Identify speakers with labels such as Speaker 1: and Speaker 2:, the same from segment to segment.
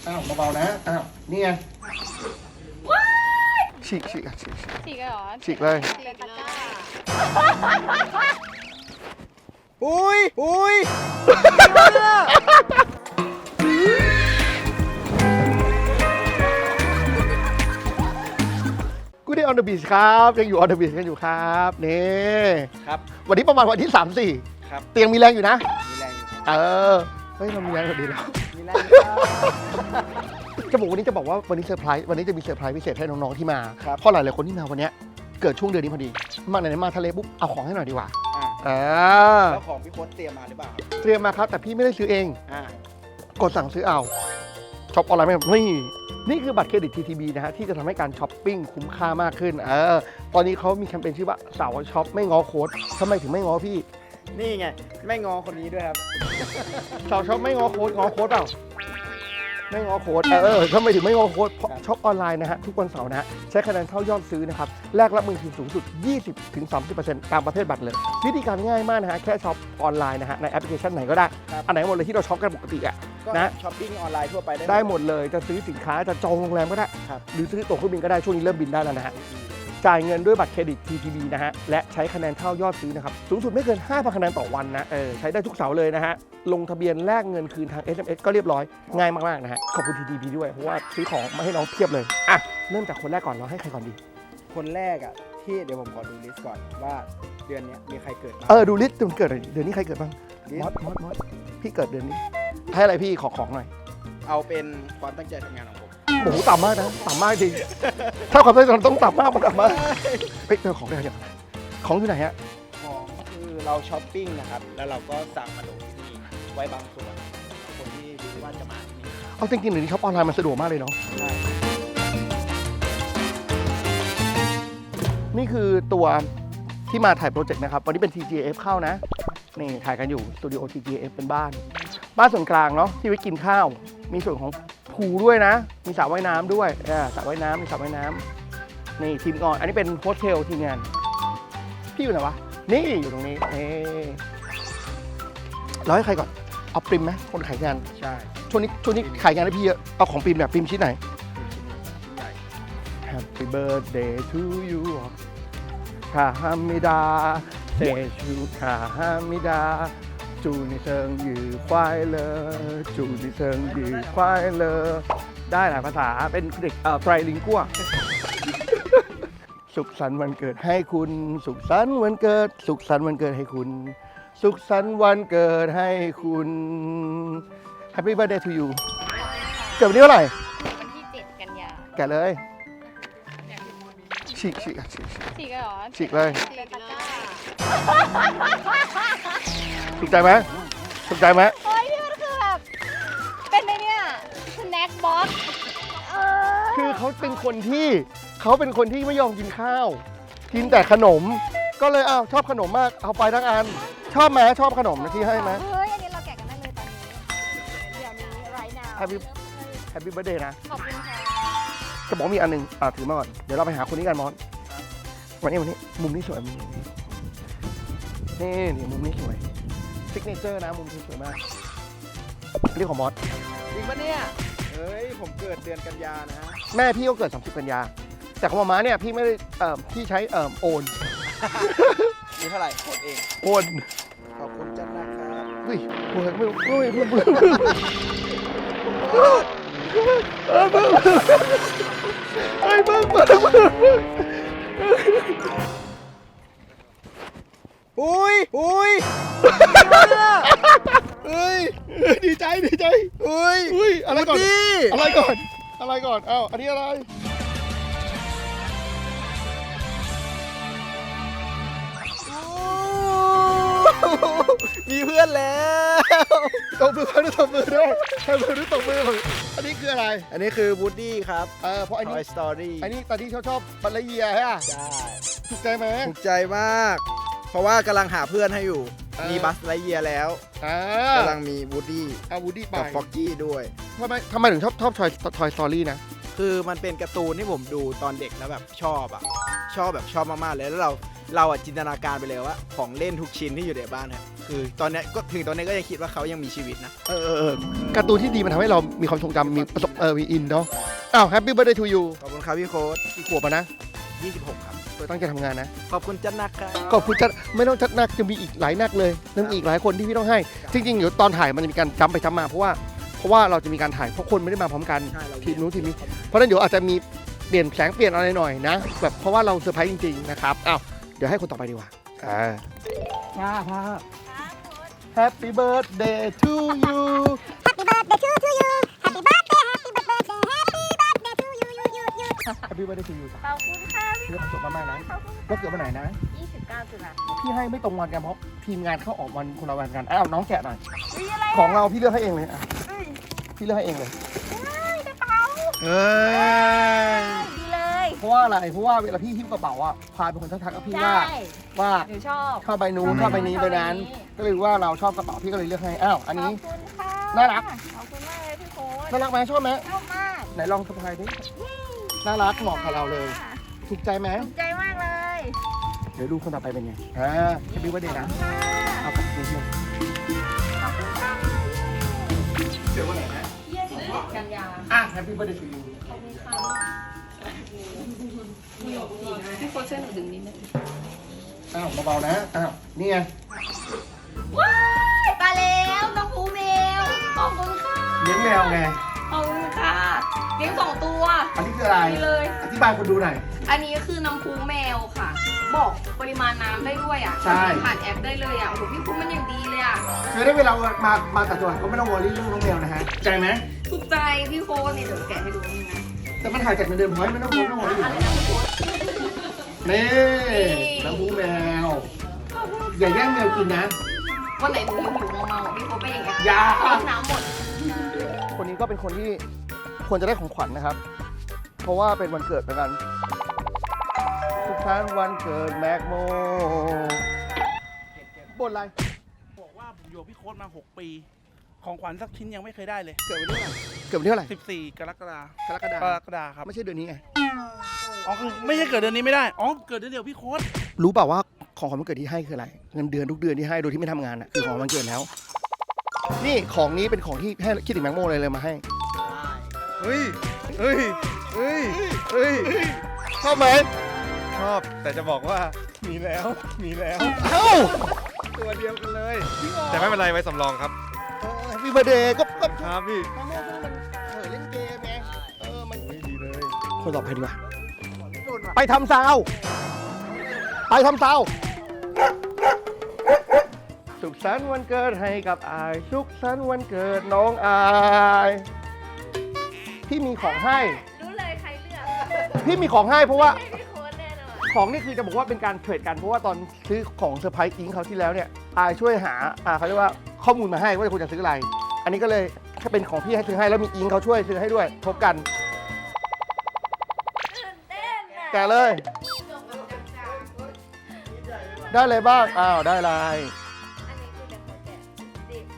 Speaker 1: อ้าวเบาๆนะอ้าวนี่ไงฉีกเลยเหรอฉีกเลย
Speaker 2: อุ้ย
Speaker 1: กูได้ออนเดอะบีชครับยังอยู่ออนเดอะบีชกันอยู่ครับนี่
Speaker 2: ครับ
Speaker 1: วันนี้ประมาณวันที่3-4
Speaker 2: ครับ
Speaker 1: เตียงมีแรงอยู่นะ
Speaker 2: มีแรงอยู่
Speaker 1: เออเฮ้ยเรามีแรงกว่าดีแล้ว
Speaker 2: มีแรงอยู่
Speaker 1: จะบอกวันนี้ว่าวันนี้เซอร์ไพรส์วันนี้จะมีเซอร์ไพรส์พิเศษให้น้องๆที่มา
Speaker 2: ครับ
Speaker 1: เพราะหลายๆคนที่มาวันนี้เกิดช่วงเดือนนี้พอดีมาไหนๆมาทะเลปุ๊บเอาของให้หน่อยดีกว่า
Speaker 2: แล้วของพี่โค้ดเตรียมมาหรือเปล่าครับ
Speaker 1: เตรียมมาครับแต่พี่ไม่ได้ซื้อเอง กดสั่งซื้อเอาช็อปออนไลน์ไม่นี่คือบัตรเครดิต TTB นะฮะที่จะทำให้การช้อปปิ้งคุ้มค่ามากขึ้นตอนนี้เขามีแคมเปญชื่อว่าสาวช็อปไม่ง้อโค้ดทำไมถึงไม่ง้อพี่
Speaker 2: นี่ไงไม่งอคนนี้ด้วยครับ
Speaker 1: สาวช็อปไม่ง้อโค้ดง้อโค้ดเปล่าไม่ง้อโค้ดทำไมถึงไม่ง้อโค้ดเพราะช็อปออนไลน์นะฮะทุกวันเสาร์นะฮะใช้คะแนนเท่ายอดซื้อนะครับแลกรับเงินคืนสูงสุด 20-30% ตามประเภทบัตรเลยวิธีการง่ายมากนะฮะแค่ช็อปออนไลน์นะฮะในแอปพลิเคชันไหนก็ได้อันไหนหมดเลยที่เราช็อปกันปกติอ่ะ
Speaker 2: ก็ช้อปปิ้งออนไลน์ทั่วไป
Speaker 1: ได้หมดเลยจะซื้อสินค้าจะจองโรงแรมก็ได้หรือซื้อตั๋วเครื่องบินก็ได้ช่วงนี้เริ่มบินได้แล้วนะฮะจ่ายเงินด้วยบัตรเครดิต TTB นะฮะและใช้คะแนนเท่ายอดซื้อนะครับสูงสุดไม่เกิน 5,000 คะแนนต่อวันนะใช้ได้ทุกเสาร์เลยนะฮะลงทะเบียนแลกเงินคืนทาง SMS ก็เรียบร้อยง่ายมากๆนะฮะขอบคุณ TTB ด้วยเพราะว่าซื้อของมาให้น้องเพียบเลยอ่ะเริ่มจากคนแรกก่อนเราให้ใครก่อนดี
Speaker 2: คนแรกที่เดี๋ยวผมขอดูลิสต์ก่อนว่าเดือนนี้มีใครเกิดบ้าง
Speaker 1: ดูลิสต์มันเกิดอะไรเดือนนี้ใครเกิดบ้างมอสพี่เกิดเดือนนี้ให้อะไรพี่ของหน่อย
Speaker 2: เอาเป็นความตั้งใจทำงานของผม
Speaker 1: โอ้โหต่ำมากนะต่ำมากจริงถ้าความตั้งใจต้องต่ำมากมันต่ำมากเฮ้ยเจอของได้ยังของอยู่ไหนฮะ
Speaker 2: ของคือเราช้อปปิ้งนะครับแล้วเราก็สั่งมาลงที่นี่ไว้บางส่วนคนที่รู้ว่าจะมาที่นี่
Speaker 1: เอาจริงๆเดี๋ยวนี้ช็อปออนไลน์มันสะดวกมากเลยเนาะ
Speaker 2: ใช่
Speaker 1: นี่คือตัวที่มาถ่ายโปรเจกต์นะครับวันนี้เป็น TGF เข้านะนี่ถ่ายกันอยู่สตูดิโอ TGF เป็นบ้านส่วนกลางเนาะที่ไว้กินข้าวมีส่วนของพูลด้วยนะมีสระว่ายน้ำด้วยสระว่ายน้ำมีสระว่ายน้ำนี่ทีมงานอันนี้เป็นโฮสเทลทีมงานพี่อยู่ไหนวะนี่อยู่ตรงนี้เราให้ใครก่อนเอาปริมไหมคนขายงาน
Speaker 2: ใช่
Speaker 1: ช่วงนี้ขายงานให้พี่เยอะเอาของปริมแบบปริมชิ้นไหน Happy birthday to you 卡哈密达เตชู卡哈密达祝你生日快乐祝你生日快乐ได้หลายภาษาเป็นเด็กไตรลิงกัวสุขสันต์วันเกิดให้คุณสุขสันต์วันเกิดสุขสันต์วันเกิดให้คุณสุขสันต์วันเกิดให้คุณ Happy birthday to you เกิดวันนี้เท่าไหร่
Speaker 3: วันที่ 7 กันยา
Speaker 1: แกะเลยฉีก
Speaker 3: ฉีกเลยเหรอ
Speaker 1: ฉีกเลย
Speaker 3: ฉีกตะกร้า
Speaker 1: ถูกใจไหมถูกใจไหม
Speaker 3: เฮ้ยนี่มันคือแบบเป็นไงเนี่ยสแน็คบ็อกซ์
Speaker 1: คือเขาเป็นคนที่ไม่ยอมกินข้าวกินแต่ขนมก็เลยชอบขนมมากเอาไปทั้งอันชอบไหมชอบขนมที่ให้ไหม
Speaker 3: เฮ้ยอันนี้เราแกะกันได้เลยตอนนี้เดี๋ยวนี้ right now
Speaker 1: Happy birthday นะ
Speaker 3: ขอบคุณค่ะ
Speaker 1: จะบอกมีอันหนึงถือมาก่อนเดี๋ยวเราไปหาคนนี้กันมอสวันนี้มุมนี้สวยมุมนี้นี่มุมนี้สวยซิกเนเจอร์นะมุมนี้สวยมากเรียกของมอส
Speaker 2: จริงปะเนี่ยเฮ้ยผมเกิดเดือนกันยานะฮะ
Speaker 1: แม่พี่ก็เกิด30 กันยาแต่ของมาเนี่ยพี่ไม่ได้พี่ใช้โอน
Speaker 2: มีเท่าไหร่กดเอง
Speaker 1: โอน
Speaker 2: ขอบคุณจันนะครับ
Speaker 1: เฮ้ยเฮ้ยไม่เฮ้ย
Speaker 2: อุ้ยเฮ้ย
Speaker 1: ดีใจ
Speaker 2: อุ้ย
Speaker 1: อะไรก่อนอันนี้อะไร
Speaker 2: มีเพื่อนแล้ว
Speaker 1: ตบมือด้วยอันนี้คืออะไร
Speaker 2: อันนี้คือวูดดี้ครับ
Speaker 1: เพราะอันนี้
Speaker 2: Toy Story
Speaker 1: อันนี้ตอนที่ชอบบัลลเยียใช่ป่ะ
Speaker 2: ใช่
Speaker 1: ถูกใจไหม
Speaker 2: ถูกใจมาก เพราะว่ากำลังหาเพื่อนให้อยู่ มีบัสไลเยียแล้วกำลังมีวูดดี้
Speaker 1: วูดดี้ไป
Speaker 2: กับฟ็อกกี้ด้วย
Speaker 1: ทำไมถึงชอบToy Story นะ
Speaker 2: คือมันเป็นการ์ตูนที่ผมดูตอนเด็กแล้วแบบชอบมากๆเลยแล้วเราเราอะจินตนาการไปเลยว่าของเล่นทุกชิ้นที่อยู่ในบ้านครับคือตอนเนี้ยก็ถึงตอนนี้ก็ยังคิดว่าเขายังมีชีวิตนะ
Speaker 1: การ์ตูนที่ดีมันทำให้เรามีความทรงจำมีประสบมีอินเนาะอ้าวแฮปปี้เบิร์ดเดย์ทูยู
Speaker 2: ขอบคุณครับพี่โค้ด
Speaker 1: กี่ขวบอะนะ
Speaker 2: 26 ครับ
Speaker 1: ตั้งใจทำงานนะ
Speaker 2: ขอบคุณจัดนักครับ
Speaker 1: ขอบคุณจัดไม่ต้องจัดหนักจะมีอีกหลายหนักเลยยังมีอีกหลายคนที่พี่ต้องให้ จริงๆเดี๋ยวตอนถ่ายมันจะมีการจำไปจำมาเพราะว่าเราจะมีการถ่ายเพราะคนไม่ได้มาพร้อมกัน
Speaker 2: ใช่เรา
Speaker 1: ทีมนู้นทีมนี้เพราะฉะนั้นเดี๋ยวอาจจะมีเปลี่ยนแสงเปลี่ยนอะไรหน่อยนะแบบเพราะว่าเราเซอร์ไพรส์จริงๆนะครับอ้าวเดี๋ยวให้คนต่อไปดีกว่าพา Happy birthday to you
Speaker 3: Happy birthday to you Happy birthday Happy birthday Happy birthday to you
Speaker 1: Happy birthday to you
Speaker 3: ขอบคุณค่ะพี่
Speaker 1: เรื่องสดมากๆนะ
Speaker 3: ขอบคุณ
Speaker 1: แล้วเกิดวันไหนนะ
Speaker 3: 29 ตุลา
Speaker 1: พี่ให้ไม่ตรงวันกันเพราะทีมงานเข้าออกวันคนละวันกันอ้าวน้องแกะหน่อย
Speaker 3: มีอะไร
Speaker 1: ของเราพี่เลือกให้เองเลยอ่ะ
Speaker 3: เอ้ย
Speaker 1: พี่เลือกให้เองเลย
Speaker 3: กระเป๋า
Speaker 1: เฮ้ย
Speaker 3: ดีเลย
Speaker 1: เพราะว่าอะไรเพราะว่าเวลาพี่หิ้วกระเป๋าอ่ะพาเป็นคนทักกับพี่
Speaker 3: ใช่
Speaker 1: ว่า
Speaker 3: หนูชอบ
Speaker 1: ชอบใบนู้นชอบใบนี้ใบนั้น ก็เลยว่าเราชอบกระเป๋าพี่ก็เลยเลือกให้อ้าวอัน
Speaker 3: ขอ
Speaker 1: นี้
Speaker 3: บคุณค่ะ
Speaker 1: น่ารัก
Speaker 3: ขอบคุณมากเลยพี่โค้ด
Speaker 1: น่ารักไหมชอบไหม
Speaker 3: ชอบมาก
Speaker 1: ไหนลองสะพายดิน่ารักเหมาะกับเราเลยถูกใจไหม
Speaker 3: ถูกใจมากเลย
Speaker 1: เดี๋ยวดูคนต่อไปเป็นไงแฮปปี้วันเดย์นะ
Speaker 3: ค่ะ
Speaker 1: เอากลับไปเที่ยว
Speaker 3: ขอบคุณค่ะ
Speaker 1: เดี๋ยววันไหนนะ
Speaker 3: 21 กันยา
Speaker 1: แฮปปี้วันเดย์ทูยู
Speaker 3: ขอบคุณค่ะพี่โค้ดช่วยหนูดึงนิดนึง
Speaker 1: อ้าวเบาๆนะอ้าวนี่ไง
Speaker 3: ว้ายมาแล้วน้องภูเมลขอบคุณค่ะ
Speaker 1: เลี้ยงแมวไง
Speaker 3: ขอบคุณค่ะเลี้ยง2 ตัว
Speaker 1: อันนี้คืออะไร
Speaker 3: นี่เลย
Speaker 1: อธิบายคนดูหน่อย
Speaker 3: อันนี้คือน้ำพุแมวค่ะ บอกปริมาณน้ำได้ด้วยอ่ะ
Speaker 1: ใช่
Speaker 3: ผ่านแอปได้เลยอ่ะโอ้โหพี่คุณมันอย่างดีเลยอ่ะ
Speaker 1: คือได้เวลามาตัดตัวก็ไม่ต้องวอรี่เรื่องน้องแมวนะฮะใจไหม
Speaker 3: ถูกใจพี่โค้ดนี่เดี๋ยวแกะให้ดูนี่นะ
Speaker 1: แต่มันถ่ายจากเงินเดือนพอยต์ไม่ต้องวอรี่อยู่
Speaker 3: อะไร
Speaker 1: แล้ว
Speaker 3: นะพี่โค้ด
Speaker 1: นี่น้ำหูแมว อย่าแย่งแมวกินนะ
Speaker 3: วันไหนหนูหิวเมาๆพี่โค้ดไปอย่างเงี้ย
Speaker 1: อย่า
Speaker 3: น้ำหมด
Speaker 1: คนนี้ก็เป็นคนที่ควรจะได้ของขวัญนะครับ เพราะว่าเป็นวันเกิดเหมือนกันทุกท่านวันเกิดแม็กโมบนอะไร
Speaker 4: บอกว่าผมอยู่กับพี่โค้ดมา 6 ปี ของขวัญสักชิ้นยังไม่เคยได้เลย
Speaker 1: เกิดวันที่เท่าไหร่เกิดวันที่เท่าไหร่
Speaker 4: 14 กรกฎาคม
Speaker 1: กรกฎาค
Speaker 4: ก
Speaker 1: ม
Speaker 4: รกฎาคมครับ
Speaker 1: ไม่ใช่เดือนนี้ไง
Speaker 4: อ๋อคือไม่ใช่เกิดเดือนนี้ไม่ได้ อ๋อ เกิดเดือนเดียวพี่โค้ด
Speaker 1: รู้เปล่าว่าของขวัญวันเกิดที่ให้คืออะไร เงินเดือนทุกเดือนที่ให้โดยที่ไม่ทำงานอ่ะคือของวันเกิดแล้ว นี่ของนี้เป็นของที่ให้คิดถึงแม็กโมเลยมาให้
Speaker 5: เฮ้ย เฮ้ย เฮ้ย เฮ้ย
Speaker 1: ชอบไหม
Speaker 5: ชอบ แต่จะบอกว่ามีแล้ว มีแล้ว
Speaker 1: เอ้า
Speaker 5: ตัวเดียวกันเลย แต่ไม่เป็นไรไว้สำรองครับ
Speaker 1: มีเบอร์เดย์ก็
Speaker 5: ครับพี่
Speaker 1: แม็กโมมันเล่นเกมไงมัน
Speaker 5: ไม่ดีเลย
Speaker 1: คนต่อไปดีกว่าไปทำซาวไปทำซาวสุขสันต์วันเกิดให้กับอายสุขสันต์วันเกิดน้องอายพี่มีของให้
Speaker 3: รู้เลยใครเลือก
Speaker 1: พี่มีของให้เพราะว่า
Speaker 3: ให้พี่โค้ดแน่นอน
Speaker 1: ของนี่คือจะบอกว่าเป็นการเทรดกันเพราะว่าตอนซื้อของเซอร์ไพรส์อิงเขาที่แล้วเนี่ยอายช่วยหาเขาเรียกว่าข้อมูลมาให้ว่าคุณจะซื้ออะไร อันนี้ก็เลยถ้าเป็นของพี่ให้ซื้อให้แล้วมีอิงเขาช่วยซื้อให้ด้วยทบกัน
Speaker 3: ตื่นเต้นอ่ะ
Speaker 1: แกะเลย ได้เลยบ้างอ้าวได้อะไร
Speaker 3: อันนี้คือเดี๋ยวเขาแกะดิบ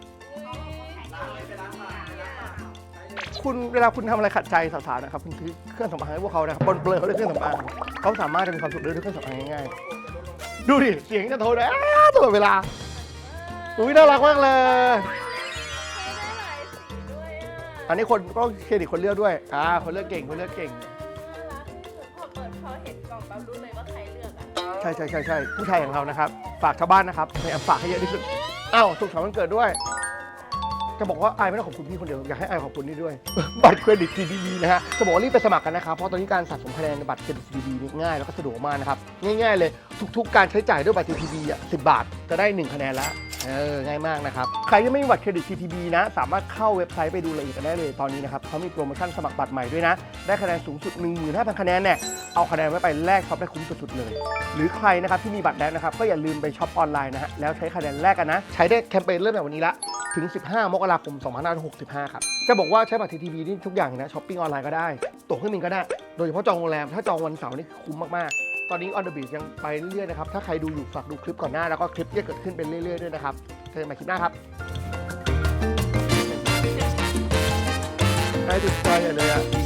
Speaker 1: คุณเวลาคุณทำอะไรขัดใจสาวๆนะครับคุณซื้อเครื่องสำอางให้พวกเขานะครับบนเปลือยเขาเรียกเครื่องสำอางเขาสามารถจะมีความสุขด้วยเครื่องสำอางง่ายๆดูดิเสียงจะโทรนะตลอดเวลาอุ้ยน่ารักมากเลย
Speaker 3: ให้ได้หลายสีด้วยอ่ะ
Speaker 1: อันนี้คนก็เครดิตคนเลือกด้วยคนเลือกเก่งคนเลือกเก่ง
Speaker 3: น่ารักที่สุดพอเห็นกล่องปั๊บรู้เลยว่าใครเลือกอ่ะ
Speaker 1: ใช่ผู้ชายอย่างเรานะครับฝากชาวบ้านนะครับพยายามฝากให้เยอะที่สุดอ้าวสุขสันต์วันเกิดด้วย จะบอกว่าไอายไม่ต้องขอบคุณพี่คนเดียวอยากให้ไอายขอบคุณนี่ด้วย บัตรเครดิต TTB นะฮะจะบอกว่ารีบไปสมัครกันนะครับเพราะตอนนี้การสะสมคะแนนในบัตรเครดิต TTB นี่ง่ายแล้วก็สะดวกมากนะครับง่ายๆเลยทุกๆการใช้จ่ายด้วยบัตร TTB 10 บาทจะได้1คะแนนละง่ายมากนะครับใครยังไม่มีบัตรเครดิต TTB นะสามารถเข้าเว็บไซต์ไปดูรายละเอียดกันได้เลยตอนนี้นะครับเขามีโปรโมชั่นสมัครบัตรใหม่ด้วยนะได้คะแนนสูงสุด 15,000 คะแนนเนี่ยเอาคะแนนไว้ไปแลกช็อปได้คุ้มสุดๆเลยหรือใครนะครับที่มีบัตรแดงนะครับก็อย่าลืมไปช็อปออนไลน์นะฮะแล้วใช้คะแนนแลกกันนะใช้ได้แคมเปญเริ่มจากวันนี้ละถึง 15 มกราคม 2565 ครับ จะบอกว่าใช้บัตร TTB นี่ทุกอย่างนะช้อปปิ้งออนไลน์ก็ได้ตั๋วเครื่องบินก็ได้ โดยเฉพาะจองโรงแรม ถ้าจองวันเสาร์นี่คุ้มมาก ๆ ตอนนี้ On the Beach ยังไปเรื่อยๆนะครับ ถ้าใครดูอยู่ฝากดูคลิปก่อนหน้า แล้วก็คลิปที่จะเกิดขึ้นเป็นเรื่อย ๆ ด้วยนะครับเจอกันใหม่คลิปหน้าครับได้ติดใจเลยอ่ะ